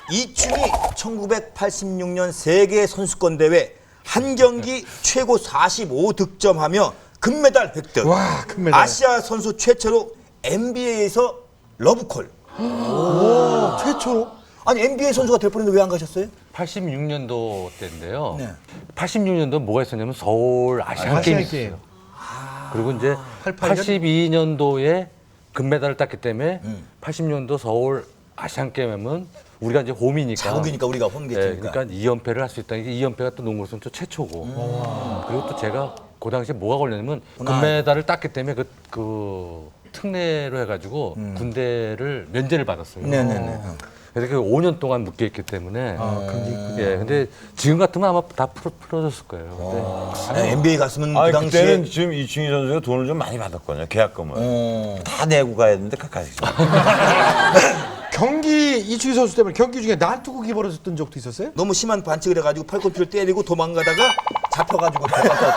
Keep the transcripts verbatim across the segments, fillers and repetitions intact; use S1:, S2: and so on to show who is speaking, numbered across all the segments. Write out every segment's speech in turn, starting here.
S1: 이충이 천구백팔십육 년 세계 선수권 대회 한 경기 최고 사십오 득점하며 금메달 획득.
S2: 와, 금메달.
S1: 아시아 선수 최초로 엔비에이에서 러브콜.
S2: 오, 최초로?
S1: 아니 엔비에이 선수가 될 뻔했는데 왜 안 가셨어요?
S3: 팔십육 년도 때인데요.
S1: 네.
S3: 팔십육 년도 뭐가 있었냐면 서울 아시안
S2: 아,
S3: 게임이
S2: 아시안 게임.
S3: 있었어요. 그리고 이제
S2: 팔십팔 년?
S3: 팔십이 년도에 금메달을 땄기 때문에
S1: 음.
S3: 팔십 년도 서울 아시안 게임은 우리가 이제 홈이니까.
S1: 자국이니까 우리가
S3: 예,
S1: 홈게임이니까.
S3: 그러니까 이 연패를 할 수 있다는 게 이 연패가 또 농구 선수 최초고. 그리고 또 제가 그 당시에 뭐가 걸렸냐면 금메달을 땄기 때문에 그, 그 특례로 해가지고 군대를 면제를 받았어요.
S1: 네네네.
S3: 그래서 그 오 년 동안 묶여 있기 때문에.
S2: 아, 경기 있군요.
S3: 예, 근데 지금 같으면 아마 다 풀어, 풀어졌을 거예요. 근데
S1: 네, 엔비에이 갔으면
S4: 아니
S1: 그 당시에
S4: 그때는 지금 이충희 선수가 돈을 좀 많이 받았거든요. 계약금을.
S1: 어.
S4: 다 내고 가야 되는데 가까이.
S2: 경기 이충희 선수 때문에 경기 중에 난투극이 벌어졌던 적도 있었어요?
S1: 너무 심한 반칙을 해가지고 팔꿈치를 때리고 도망가다가 잡혀가지고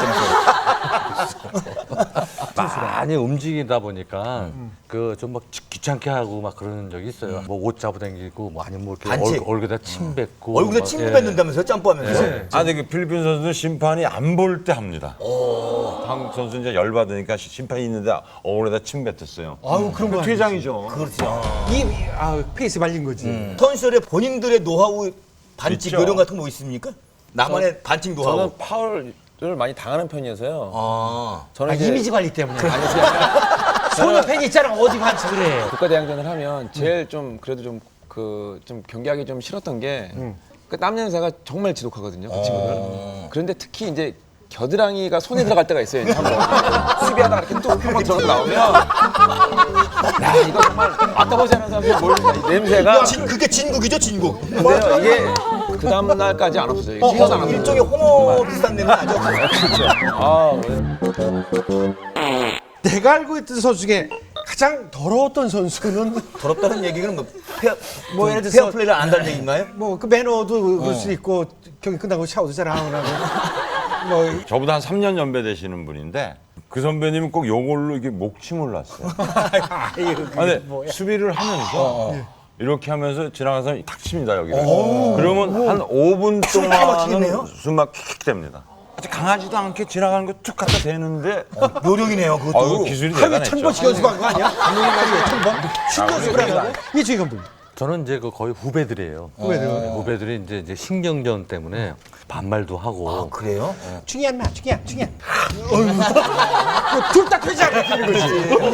S1: 대박났다면서요.
S3: 많이 움직이다 보니까 그 좀 막 귀찮게 하고 막 그러는 적이 있어요. 뭐 옷 잡아당기고 뭐 아니면 뭐 이렇게
S1: 반칙.
S3: 얼, 얼굴에다 침 뱉고
S1: 얼굴에
S3: 막,
S1: 침
S3: 예.
S1: 뱉는다면서요? 점프하면서.
S3: 네.
S4: 아, 근데 그 필리핀 선수는 심판이 안 볼 때 합니다. 한국 선수 이제 열 받으니까 심판이 있는데 얼굴에다 침 뱉었어요.
S2: 아유, 그런 거
S4: 퇴장이죠.
S1: 그렇죠.
S2: 이, 아, 페이스 말린 거지.
S1: 선수들의 본인들의 노하우 반칙
S4: 있죠.
S1: 요령 같은 거 뭐 있습니까? 나만의 반칙 노하우.
S5: 저는 파울을 많이 당하는 편이어서요.
S1: 아.
S5: 저는
S2: 아,
S5: 이제
S2: 이미지 관리 때문에.
S5: 아니 그게 아니라
S2: 소녀 팬이 있잖아, 어디 반칙을 해.
S5: 국가대항전을 하면 제일 좀 그래도 좀 그 좀 경기하기 좀 싫었던 게 그 땀 냄새가 정말 지독하거든요, 그 친구들. 그런데 특히 이제 겨드랑이가 손에 들어갈 때가 있어요. 이제 한번 수비하다가 이렇게 또 한번 들어가 나오면 야 이거 정말 아까보지 않은 사람들이 모르는 이 냄새가.
S1: 진, 그게 진국이죠, 진국.
S5: 근데요 이게 그 다음 날까지 안 없어져요. 이게 신경 안 없어져요.
S1: 일종의 홍어 비슷한 냄새 나죠?
S5: 아,
S2: 내가 알고 있던 선수 중에 가장 더러웠던 선수는
S1: 더럽다는 얘기는 뭐 페어,
S2: 뭐
S1: 뭐
S2: 예를 들어서-
S1: 페어 플레이를 안 한다는 얘기인가요?
S2: 뭐 그 매너도 그럴 수 있고 경기 끝나고 샤워도 잘 안 하고 뭐
S4: 저보다 한 삼 년 연배 되시는 분인데 그 선배님은 꼭 요걸로 이렇게 목침을 놨어요. 아, 근데 수비를 하면서 이렇게 하면서 지나가는 사람이 탁 칩니다, 여기를. 그러면 한 오 분
S1: 막히겠네요.
S4: 동안은 숨막 킥킥 됩니다. 아주 강하지도 않게 지나가는 거 툭 갖다 대는데
S1: 요령이네요, 그것도.
S4: 아유, 기술이
S2: 하루에
S4: 대단했죠.
S2: 천 번씩 연습한 거 아니야? 감독님 말이에요, 천 번? 신경습을 하고 이충희 감독님.
S3: 저는 이제 그 거의 후배들이에요.
S2: 후배들.
S3: 네, 후배들이 이제, 이제 신경전 때문에 반말도 하고.
S1: 아, 그래요?
S2: 충이야, 마, 충이야, 충이야. 둘다 되지 않는 거지.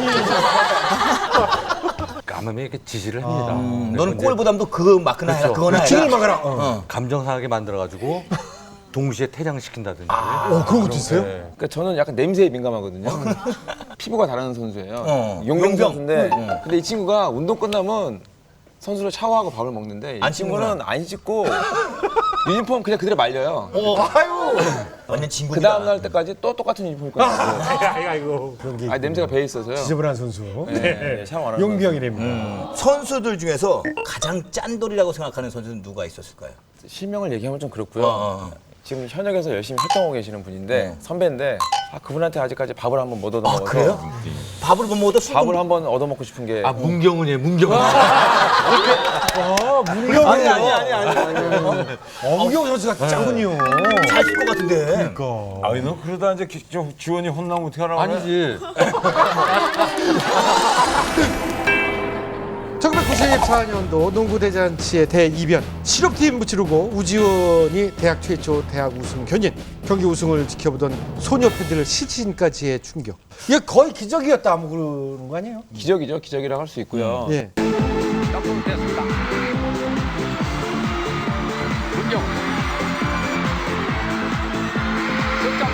S3: 까마면 이렇게 지시를 합니다.
S1: 음,
S3: 네,
S1: 너는
S3: 근데
S1: 골보담도 그 마크나 해라,
S3: 그렇죠.
S1: 그거나 해라.
S2: 찌를 막아라. 어.
S3: 감정상하게 만들어가지고 동시에 퇴장시킨다든지.
S2: 어, 그런 것도 있어요?
S3: 네.
S5: 그러니까 저는 약간 냄새에 민감하거든요. 피부가 다른 선수예요.
S1: 어.
S5: 용병
S1: 용병.
S5: 선수인데, 근데 이 친구가 운동 끝나면 선수로 샤워하고 밥을 먹는데 이
S1: 안
S5: 친구는 안 씻고 유니폼 그냥 그대로 말려요.
S2: 아유.
S1: 완전
S5: 그
S1: 진국이다.
S5: 다음 날 때까지 또 똑같은 유니폼 입고 있고,
S2: 아이고. 그런 게
S5: 아 냄새가 배에 있어서요.
S2: 지저분한 선수.
S5: 네, 네, 샤워 안 하는
S2: 용병이랍니다.
S1: 선수들 중에서 가장 짠돌이라고 생각하는 선수는 누가 있었을까요?
S5: 실명을 얘기하면 좀 그렇고요.
S1: 어, 어.
S5: 지금 현역에서 열심히 활동하고 계시는 분인데 선배인데 아, 그분한테 아직까지 밥을 한번 못 얻어
S1: 아,
S5: 먹어서
S1: 그래요? 밥을 못 먹어도 술도
S5: 밥을 한번 얻어 먹고 싶은 게
S3: 아, 문경은이에요, 문경은.
S2: 문경.
S5: 아니 아니 아니 아니.
S2: 어, 문경 선수가 짱군요.
S1: 잘쓸 것 같은데.
S2: 그러니까.
S4: 아니, 너 그러다 이제 기- 저 지원이 혼나면 어떻게 하라고 그래?
S3: 아니지.
S2: 천구백구십사 년도 농구대잔치의 대이변 실업팀 무찌르고 우지원이 대학 최초 대학 우승 견인 경기 우승을 지켜보던 소녀 팬들을 시신까지의 충격. 이게 거의 기적이었다 뭐 그러는 거 아니에요?
S5: 기적이죠. 기적이라고 할 수 있고요.
S2: 예.
S3: 됐습니다. 문경. 승점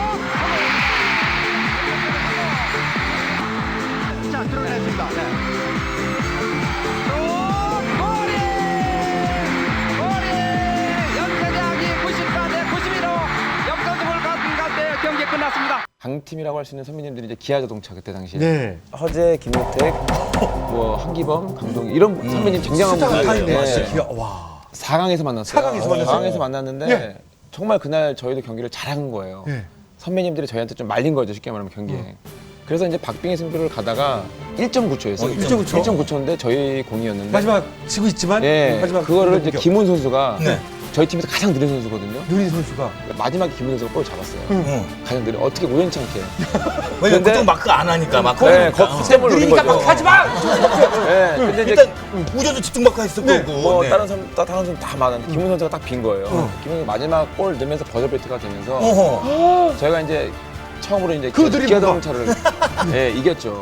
S3: 슛! 자, 들어냈습니다. 네. 골이! 골이! 연세대학이 구십사 대 구십일 로 역전승을 가진 가운데 경기 끝났습니다.
S5: 강팀이라고 할 수 있는 선배님들이 이제 기아자동차 그때 당시에
S2: 네.
S5: 허재, 김효택, 뭐 한기범, 강동희 이런 선배님 쟁쟁한 분들
S2: 스타가 있네.
S5: 네.
S2: 진짜 기가 와.
S5: 사 강에서 만났어요.
S2: 사 강에서 만났어요?
S5: 사 강에서 만났는데
S2: 예.
S5: 정말 그날 저희도 경기를 잘한 거예요.
S2: 예.
S5: 선배님들이 저희한테 좀 말린 거죠. 쉽게 말하면 경기에. 그래서 이제 박빙의 승부를 가다가 일 점 구 초였어요.
S2: 어, 일 점 구 초?
S5: 일 점 구 초인데 저희 공이었는데
S2: 마지막 지고 있지만
S5: 예,
S2: 마지막
S5: 그거를 이제
S2: 공격.
S5: 김훈 선수가
S1: 네.
S5: 저희 팀에서 가장 느린 선수거든요.
S2: 누린 선수가
S5: 마지막에 김훈 선수가 골 잡았어요.
S1: 응.
S5: 가장 느린 어떻게 우연찮게.
S1: 왜냐면
S5: 근데-
S1: 보통 마크 안 하니까 마크.
S5: 네,
S1: 하니까.
S5: 겉셈을 노린
S2: 느리니까
S5: 거죠.
S2: 막 하지 마.
S5: 네, 근데 이제
S1: 일단 우전도 집중 마크 했을
S2: 네.
S1: 거고.
S5: 뭐
S1: 네.
S5: 다른 선수 다른 선수 다 많았는데 김훈 선수가 딱 빈 거예요. 김훈 선수 마지막 골 넣으면서 버저베이트가 되면서
S1: 어허.
S5: 저희가 이제 처음으로 이제
S2: 그 드리블과.
S5: 기아자동 차를 예, 이겼죠.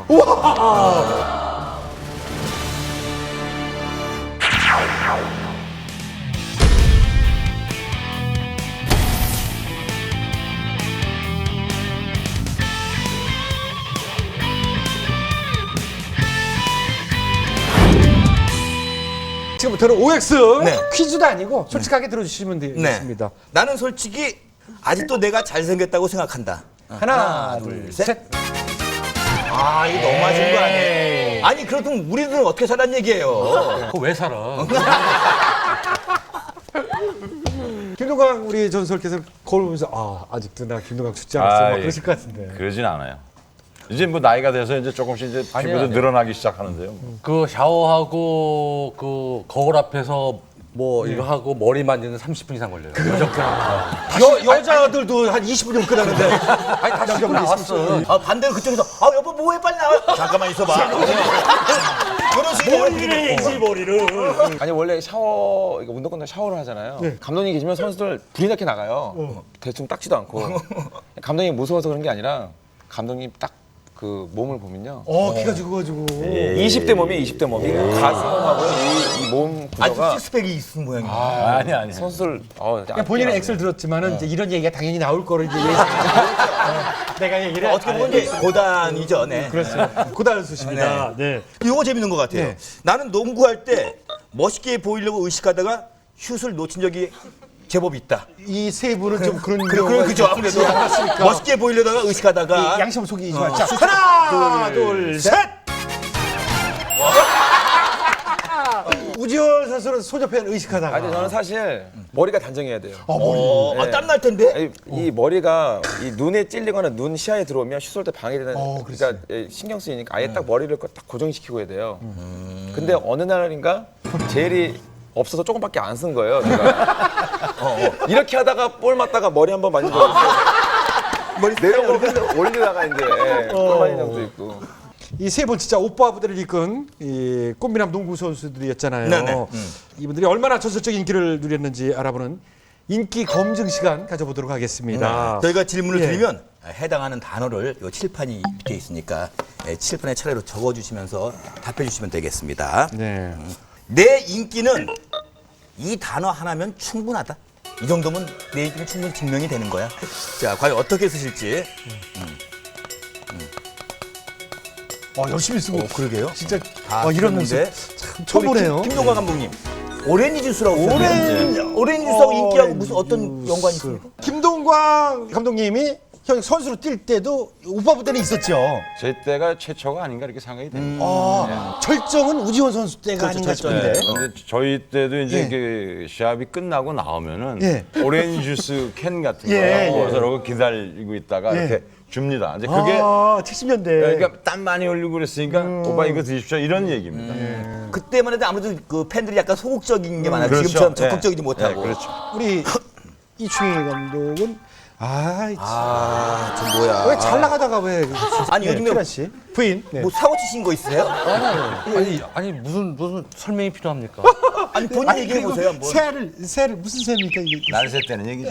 S2: 지금부터는 오엑스
S1: 네.
S2: 퀴즈도 아니고 솔직하게 들어주시면 되겠습니다.
S1: 나는 솔직히 아직도 내가 잘생겼다고 생각한다.
S2: 하나, 둘, 셋.
S1: 아, 이거 너무 하신 거 아니에요? 아니, 그렇다면 우리들은 어떻게 살란 얘기예요?
S3: 그거 왜 살아?
S2: 김동강 우리 전설께서 거울 보면서 아 아직도 나 김동강 죽지 않았어 막
S4: 아,
S2: 그러실 것 같은데.
S4: 그러진 않아요. 이제 뭐 나이가 돼서 이제 조금씩 이제
S3: 아니요,
S4: 피부도
S3: 아니요.
S4: 늘어나기 시작하는데요.
S3: 그 샤워하고 그 거울 앞에서 뭐 이거 하고 머리 만지는 삼십 분 이상 걸려요.
S2: 여 여자들도 한 이십 분이면 끝나는데.
S3: 아니 다 씻고 나왔어.
S1: 아, 반대로 그쪽에서 아, 여보 뭐해 빨리 나와. 잠깐만 있어봐. 그런 식으로 머리를 해야지 머리를.
S5: 아니 원래 샤워 이거 운동 끝나고 샤워를 하잖아요. 감독님 계시면 선수들 불이 나게 나가요. 대충 닦지도 않고. 감독님 무서워서 그런 게 아니라 감독님 딱 그 몸을 보면요.
S2: 어 키가 죽어가지고.
S5: 이십 대 몸이 이십 대 몸이 가슴하고 이 몸
S1: 아주
S5: 구조가
S1: 식스팩이 있는 모양이야.
S4: 아니 아니.
S5: 선수들 어,
S2: 그냥 본인은 엑셀 들었지만은 이제 이런 얘기가 당연히 나올 거를 이제 예상. 내가 얘기를
S1: 어떻게 보면 이제 고단이죠. 네.
S2: 그렇죠. 고단수십니다. 네.
S1: 이거 재밌는 것 같아요.
S2: 네.
S1: 나는 농구할 때 멋있게 보이려고 의식하다가 슛을 놓친 적이 제법 있다.
S2: 이 세 분은 좀 그런
S1: 그래,
S2: 경우가
S1: 그래, 그죠. 아무래도
S2: 있지 않았습니까?
S1: 멋있게 보이려다가 의식하다가
S2: 양심 속이지만 자 하나 둘 셋. 우지원 선수는 소저팬 의식하다가.
S5: 아니 저는 사실 머리가 단정해야 돼요.
S1: 어, 아,
S5: 네.
S1: 땀날 텐데.
S5: 아니, 이 머리가 이 눈에 찔리거나 눈 시야에 들어오면 슛 쏠 때 방해되는
S2: 어,
S5: 그러니까 예, 신경 쓰이니까 아예 딱 머리를 딱 고정시키고 해야 돼요. 근데 어느 날인가 젤이 없어서 조금밖에 안 쓴 거예요. 제가. 어, 어. 이렇게 하다가 볼 맞다가 머리 한번 만진 적 있어요.
S1: 머리
S5: 내려오고 올리다가 이제 예, 볼 맞은 적도 있고.
S2: 이 세 분 진짜 오빠 부대를 이끈 이 꽃미남 농구 선수들이었잖아요.
S1: 네네. 음.
S2: 이분들이 얼마나 전설적인 인기를 누렸는지 알아보는 인기 검증 시간 가져보도록 하겠습니다.
S1: 저희가 질문을
S2: 예.
S1: 드리면 해당하는 단어를 요 칠판이 밑에 있으니까 예, 칠판에 차례로 적어주시면서 답해주시면 되겠습니다.
S2: 네.
S1: 내 인기는 이 단어 하나면 충분하다. 이 정도면 내 인기는 충분히 증명이 되는 거야. 자, 과연 어떻게 쓰실지.
S2: 어, 열심히 쓰고.
S1: 어, 그러게요.
S2: 진짜
S1: 다
S2: 어, 이런
S1: 쓰는데.
S2: 모습 참 처음 보네요.
S1: 김동관 감독님. 오렌지 주스라고 오렌지, 오렌지 주스하고 인기하고 무슨 어떤 연관이 있습니까?
S2: 김동광 감독님이 형 선수로 뛸 때도 오빠 부대는 있었죠.
S4: 제 때가 최초가 아닌가 이렇게 생각이 됩니다.
S2: 아, 철정은 우지원 선수 때가
S1: 그렇죠,
S2: 아닌가
S1: 철정.
S2: 싶은데.
S4: 네. 근데 저희 때도 이제
S2: 예.
S4: 그 시합이 끝나고 나오면은
S2: 예.
S4: 오렌지 주스 캔 같은 거
S2: 예,
S4: 갖고
S2: 예.
S4: 와서 이러고 기다리고 있다가
S2: 예.
S4: 이렇게 줍니다. 이제 그게
S2: 아, 칠십 년대.
S4: 그러니까 땀 많이 흘리고 그랬으니까 오빠 이거 드십시오 이런 얘기입니다.
S1: 그때만 해도 아무래도 그 팬들이 약간 소극적인 게 많아요.
S4: 그렇죠.
S1: 지금처럼
S4: 예.
S1: 적극적이지
S4: 예,
S1: 못하고.
S4: 그렇죠.
S2: 우리 이충희 감독은 아,
S1: 아, 저 뭐야.
S2: 왜 잘 나가다가 왜?
S1: 아니, 요즘에
S2: 키란 씨 부인. 네.
S1: 뭐 사고 치신 거 있어요?
S3: 아니 아니 무슨 무슨 설명이 필요합니까?
S1: 아니, 본인
S2: 아니,
S1: 얘기해
S2: 그리고
S1: 보세요, 한번.
S2: 새를 새를 무슨 새입니까 이게?
S4: 날새 때는 얘기죠.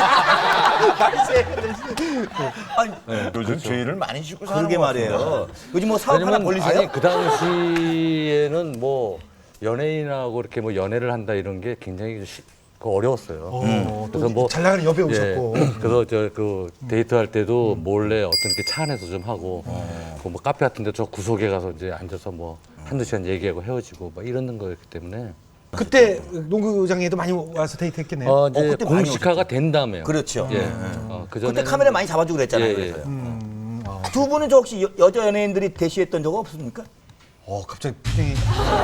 S1: 아니,
S4: 네, 요즘 주의를 많이 주고 사는
S1: 그러게
S4: 것 같은데.
S1: 말이에요. 요즘 뭐 사업 하나 벌리세요?
S3: 아니 그 당시에는 뭐 연예인하고 이렇게 뭐 연애를 한다 이런 게 굉장히 시, 그 어려웠어요.
S2: 음.
S3: 그래서 뭐
S2: 잘 나가는 여배우
S3: 예,
S2: 있었고.
S3: 그래서 저 그 데이트할 때도 몰래 어떤 이렇게 차 안에서 좀 하고 그 뭐 카페 같은데 저 구석에 가서 이제 앉아서 뭐 한두 시간 얘기하고 헤어지고 막 이러는 거였기 때문에
S2: 그때 농구장에도 많이 와서 데이트했겠네요.
S3: 어 이제
S1: 그때 많이
S3: 공식화가 된 다음에요.
S1: 그렇죠.
S3: 예. 어, 그
S1: 그때
S3: 전에는
S1: 카메라 많이 잡아주고 그랬잖아요.
S3: 예, 예.
S1: 그래서요. 두 분은 저 혹시 여, 여자 연예인들이 대시했던 적 없습니까?
S2: 어 갑자기 표정이.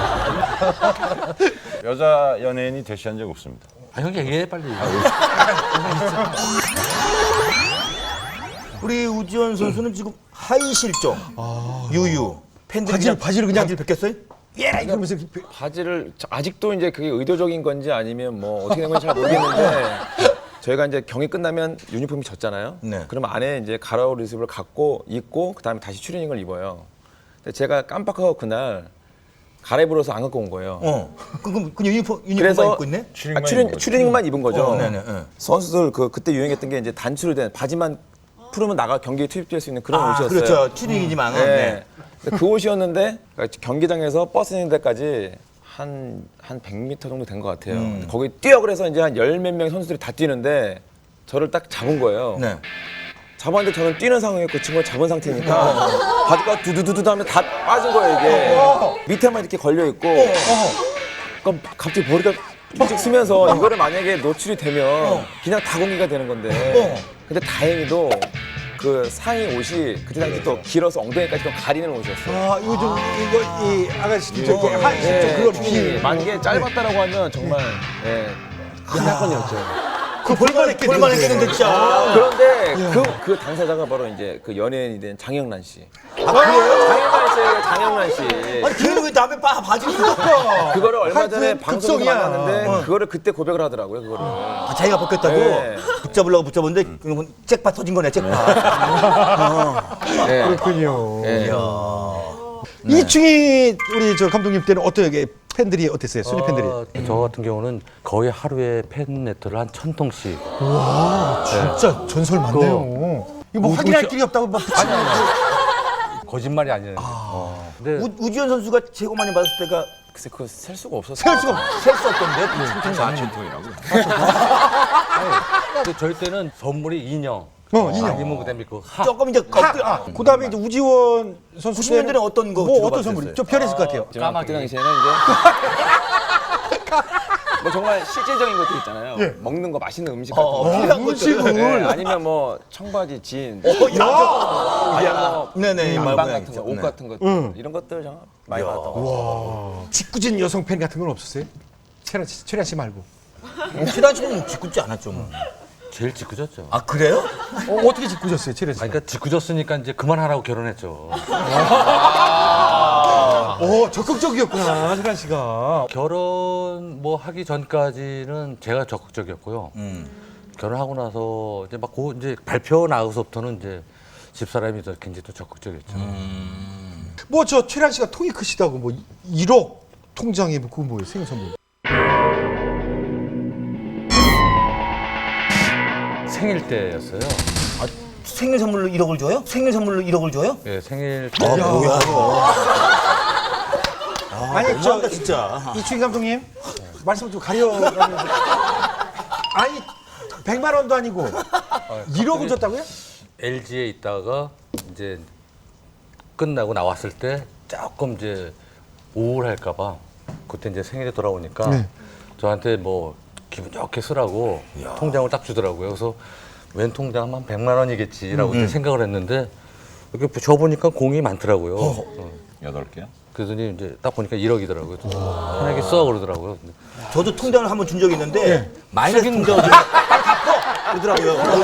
S4: 여자 연예인이 대시한 적 없습니다.
S3: 아 형이 얘기해 빨리.
S1: 우리 우지원 선수는 지금 하이 실종, 유유. 팬들이
S2: 바지를- 바지를 그냥-
S1: 바지를 벗겼어요?
S2: 예 이러면서
S5: 바지를 저- 아직도 이제 그게 의도적인 건지 아니면 뭐 어떻게 된 건지 잘 모르겠는데 저희가 이제 경기 끝나면 유니폼이 졌잖아요.
S1: 네.
S5: 그럼 안에 이제 가라오 리습을 갖고 입고 그다음에 다시 추리닝을 입어요. 근데 제가 깜빡하고 그날 갈아입으러서 안 갖고 온 거예요.
S1: 어. 그럼 그 유니폼 유니폼만
S5: 그래서
S1: 입고 있네?
S5: 아, 추리, 추리닝만 입은 거죠.
S1: 어, 네네. 네.
S5: 선수들 그 그때 유행했던 게 이제 단추로 된 바지만 풀으면 나가 경기에 투입될 수 있는 그런
S1: 아,
S5: 옷이었어요.
S1: 그렇죠. 추리닝이지만.
S5: 네.
S1: 네.
S5: 근데 그 옷이었는데 경기장에서 버스 있는 데까지 한, 한 백 미터 정도 된 것 같아요.
S1: 음.
S5: 거기 뛰어 그래서 이제 한 열 몇 명의 선수들이 다 뛰는데 저를 딱 잡은 거예요.
S1: 네.
S5: 잡았는데 저는 뛰는 상황에 그 친구가 잡은 상태니까 바지가 두두두두 하면 다 빠진 거예요, 이게. 밑에만 이렇게 걸려 있고. 그럼 갑자기 머리가 쭉 쓰면서 이거를 만약에 노출이 되면 그냥 다 공개가 되는 건데. 근데 다행히도 그 상의 옷이 그때 당시 또 길어서 엉덩이까지 좀 가리는 옷이었어요.
S2: 아 이거 좀 이거 이 아가씨 좀 이렇게 한
S5: 네,
S2: 좀 그런
S5: 충분히
S2: 비
S5: 만약에 짧았다라고 하면 정말 예, 큰 사건이었죠.
S1: 그 볼만 했겠는데. 볼만 했겠는데 진짜.
S5: 그런데 그, 그 당사자가 바로 이제 그 연예인이 된 장영란 씨.
S1: 아, 그래요?
S5: 장영란 씨, 장영란 씨.
S1: 아니 걔는 왜 남의 바 바지를 벗겨?
S5: 그거를 얼마
S2: 하여튼
S5: 전에 방송에서
S2: 극성이야.
S5: 만났는데 그거를 그때 고백을 하더라고요, 그거를.
S1: 아, 자기가 벗겼다고?
S5: 네.
S1: 붙잡으려고 붙잡았는데 그건 잭팟 터진 거네, 잭팟.
S5: 네.
S2: 그렇군요.
S5: 네.
S2: 이충희 우리 저 감독님 때는 어떻게 팬들이 어땠어요? 순위 팬들이.
S3: 어, 저 같은 경우는 거의 하루에 팬 레터를 한 천 통씩.
S2: 진짜 전설 많네요. 이거 뭐 확인할 길이 없다고 막 붙이는
S3: 거짓말이 아니에요. 어. 근데
S1: 우, 우지원 선수가 최고 많이 받았을 때가
S5: 글쎄 그거 셀 수가 없었어요.
S2: 셀 수가 없.
S1: 셀 수 없던데?
S4: 사천 통이라고.
S3: 근데 저희 때는 선물이 인형.
S2: 어, 인형.
S3: 아니면 그다음에 그 하.
S1: 조금 이제 껍질.
S2: 아, 그다음에 이제 우지원 선수
S1: 구십 년대는 어떤 거
S2: 뭐
S1: 주로
S2: 어떤
S1: 받으셨어요?
S2: 선물이 좀 편했을 것 같아요.
S5: 제가
S3: 까마귀.
S5: 그때 당시에는 이제 뭐 정말 실질적인 것들 있잖아요. 먹는 거 맛있는 음식 같은
S1: 어,
S5: 거.
S1: 필요한 것들.
S5: 네, 아니면 뭐 청바지, 진,
S1: 야,
S5: 아니면 뭐
S1: 네네,
S5: 안방
S1: 말
S5: 같은 거, 옷
S1: 네.
S5: 같은 것들 이런 것들 정말 많이 받았던 것 같아요.
S2: 직구진 여성 팬 같은 건 없었어요? 최란 씨, 최란 씨 말고.
S1: 최단 씨는 짓궂지 않았죠, 뭐.
S3: 제일 짓궂었죠.
S1: 아, 그래요?
S2: 어, 어떻게 직구졌어요, 최란 씨?
S3: 아니, 그러니까 짓궂었으니까 이제 그만하라고 결혼했죠.
S2: 어, 적극적이었구나, 최란 씨가.
S3: 결혼 뭐 하기 전까지는 제가 적극적이었고요. 결혼하고 나서 이제 막 고 이제 발표 나고서부터는 이제 집사람이 더 굉장히 더 적극적이었죠.
S2: 뭐 저 최란 씨가 통이 크시다고 뭐 일억 통장에 뭐 그거 뭐예요, 생일 선물.
S3: 생일 때였어요.
S1: 생일 선물로 일억을 줘요? 생일 선물로 일억을 줘요?
S3: 예, 생일 때.
S1: 아, 뭐야, 이거.
S2: 아니
S1: 너무한다,
S2: 저
S1: 진짜.
S2: 이충희 감독님 말씀 좀 가려가면서 아니 백만 원도 아니고 일억을 줬다고요?
S3: 엘지에 있다가 이제 끝나고 나왔을 때 조금 이제 우울할까봐 그때 이제 생일에 돌아오니까
S2: 네.
S3: 저한테 뭐 기분 좋게 쓰라고 통장을 딱 주더라고요. 그래서 웬 통장 한 백만 원이겠지라고 그때 생각을 했는데 이렇게 줘보니까 공이 많더라고요. 어.
S4: 여덟 개야?
S3: 그러더니 이제 딱 보니까 일억이더라고요. 편하게 써 그러더라고요. 근데
S1: 저도 통장을 한번 준 적이 있는데 마이너스 통장을 주면 빨리 갚어! 그러더라고요.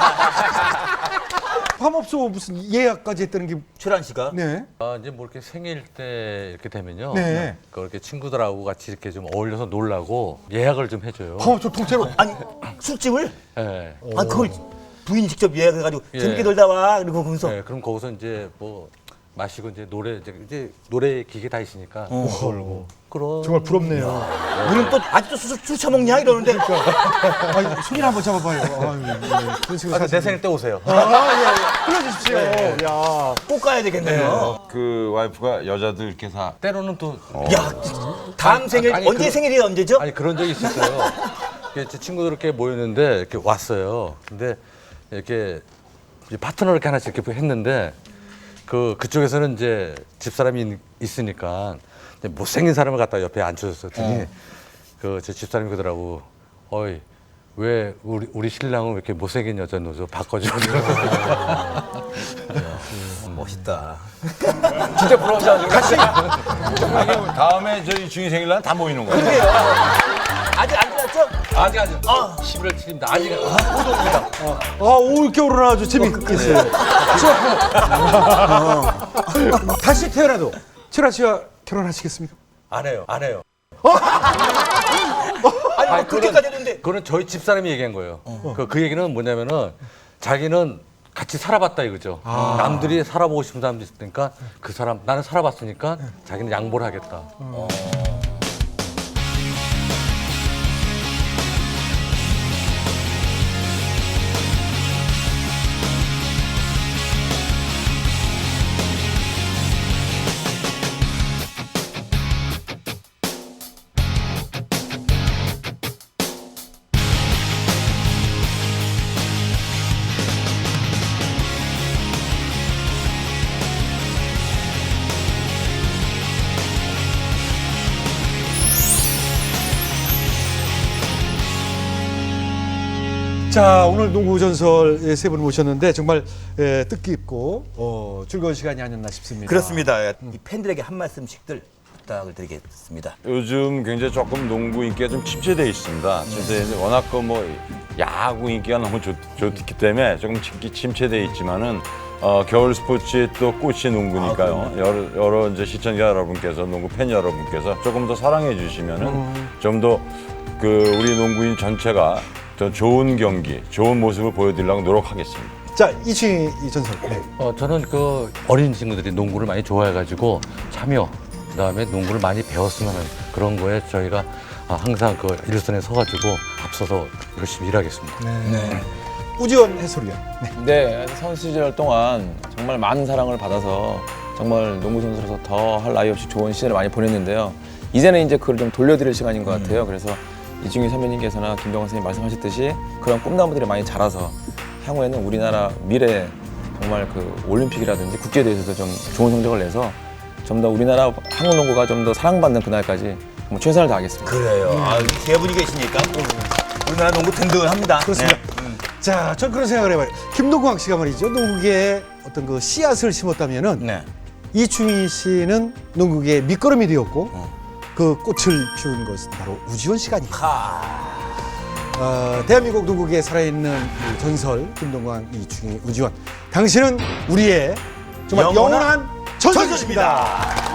S2: 화업소 무슨 예약까지 했다는 게
S1: 최란 씨가.
S2: 네.
S3: 아, 이제 뭐 이렇게 생일 때 이렇게 되면요.
S2: 네.
S3: 그렇게 친구들하고 같이 이렇게 좀 어울려서 놀라고 예약을 좀 해줘요.
S2: 화업소 통째로.
S1: 아니, 술집을?
S3: 예.
S1: 아, 그걸 부인 직접 예약해가지고
S3: 예.
S1: 재밌게 놀다 와. 그리고 거기서.
S3: 네, 그럼 거기서 이제 뭐 마시고 이제 노래 이제, 이제 노래 기계 다 있으니까 놀고 그런.
S2: 정말 부럽네요.
S1: 우리는 또 아직도 술, 술 처먹냐? 이러는데.
S2: 아니, 손이나 한번 잡아봐요. 아유, 네. 그런 식으로
S3: 아, 내
S2: 사실-
S3: 생일 때 오세요.
S2: 아, 예, 예. 불러주십시오. 야.
S1: 꼭 가야 되겠네요.
S4: 그 와이프가 여자들 이렇게 다
S3: 때로는 또
S1: 야, 다음 생일,
S3: 아니,
S1: 언제
S3: 그-
S1: 생일이 언제죠?
S3: 아니 그런 적이 있었어요. 이렇게 제 친구들 이렇게 모였는데 이렇게 왔어요. 근데 이렇게 이제 파트너를 이렇게 하나씩 이렇게 했는데 그 그쪽에서는 이제 집사람이 있- 있으니까 이제 못생긴 사람을 갖다 옆에 앉혀줬더니 그 제 집사람이 그러더라고. 어이 왜 우리 우리 신랑은 왜 이렇게 못생긴 여자 넣어서 바꿔줘.
S1: 멋있다.
S5: 진짜 부러워서
S4: 다음에 저희 중이 생일날 다 모이는 거야.
S1: 아직 안 지났죠?
S3: 아직 아직. 십일월 칠일입니다. 아직 오동입니다.
S2: 아, 올 겨울은 아주 재밌겠어요. 자, 다시 태어나도 철아 씨와 결혼하시겠습니까?
S3: 안 해요. 안 해요.
S1: 아니 뭐 그렇게까지 했는데
S3: 그거는 저희 집사람이 얘기한 거예요. 그, 그 얘기는 뭐냐면은 자기는 같이 살아봤다 이거죠. 남들이 살아보고 싶은 사람도 있으니까 그 사람 나는 살아봤으니까 자기는 양보를 하겠다.
S2: 자, 오늘 농구 전설 세 분 모셨는데 정말 에, 뜻깊고 어, 즐거운 시간이 아니었나 싶습니다.
S1: 그렇습니다. 이 팬들에게 한 말씀씩들 부탁을 드리겠습니다.
S4: 요즘 굉장히 조금 농구 인기가 좀 침체돼 있습니다. 침체돼 워낙 그 뭐 야구 인기가 너무 좋, 좋기 때문에 조금 침- 침체돼 있지만은 어, 겨울 스포츠의 또 꽃이 농구니까요. 여러, 여러 이제 시청자 여러분께서 농구 팬 여러분께서 조금 더 사랑해 주시면은 좀 더 그 우리 농구인 전체가 더 좋은 경기, 좋은 모습을 보여드리려고 노력하겠습니다.
S2: 자, 이충희 이 전설. 네.
S3: 어, 저는 그 어린 친구들이 농구를 많이 좋아해가지고 참여, 그다음에 농구를 많이 배웠으면 하는 그런 거에 저희가 아, 항상 그 일선에 서가지고 앞서서 열심히 일하겠습니다.
S1: 네.
S2: 우지원 해설위원. 네.
S5: 네, 선수 시절 동안 정말 많은 사랑을 받아서 정말 농구 선수로서 더 할 나위 없이 좋은 시절을 많이 보냈는데요. 이제는 이제 그걸 좀 돌려드릴 시간인 것 같아요. 그래서 이충희 선배님께서나 김병헌 선생님 말씀하셨듯이 그런 꿈나무들이 많이 자라서 향후에는 우리나라 미래 정말 그 올림픽이라든지 국제대회에서도 좀 좋은 성적을 내서 좀 더 우리나라 한국 농구가 좀 더 사랑받는 그날까지 뭐 최선을 다하겠습니다.
S1: 그래요. 아, 세 분이 계시니까 우리나라 농구 든든합니다.
S2: 그렇습니다.
S1: 네.
S2: 자, 전 그런 생각을 해봐요. 김동광 씨가 말이죠. 농구계에 어떤 그 씨앗을 심었다면은
S1: 네.
S2: 이충희 씨는 농구계의 밑거름이 되었고 그 꽃을 피운 것은 바로 우지원 씨가 아닐까.
S1: 하.
S2: 어, 대한민국 농구계에 살아있는 이 전설 김동광, 이충희, 우지원. 당신은 우리의 정말
S1: 영원한
S2: 영원한 전설이십니다.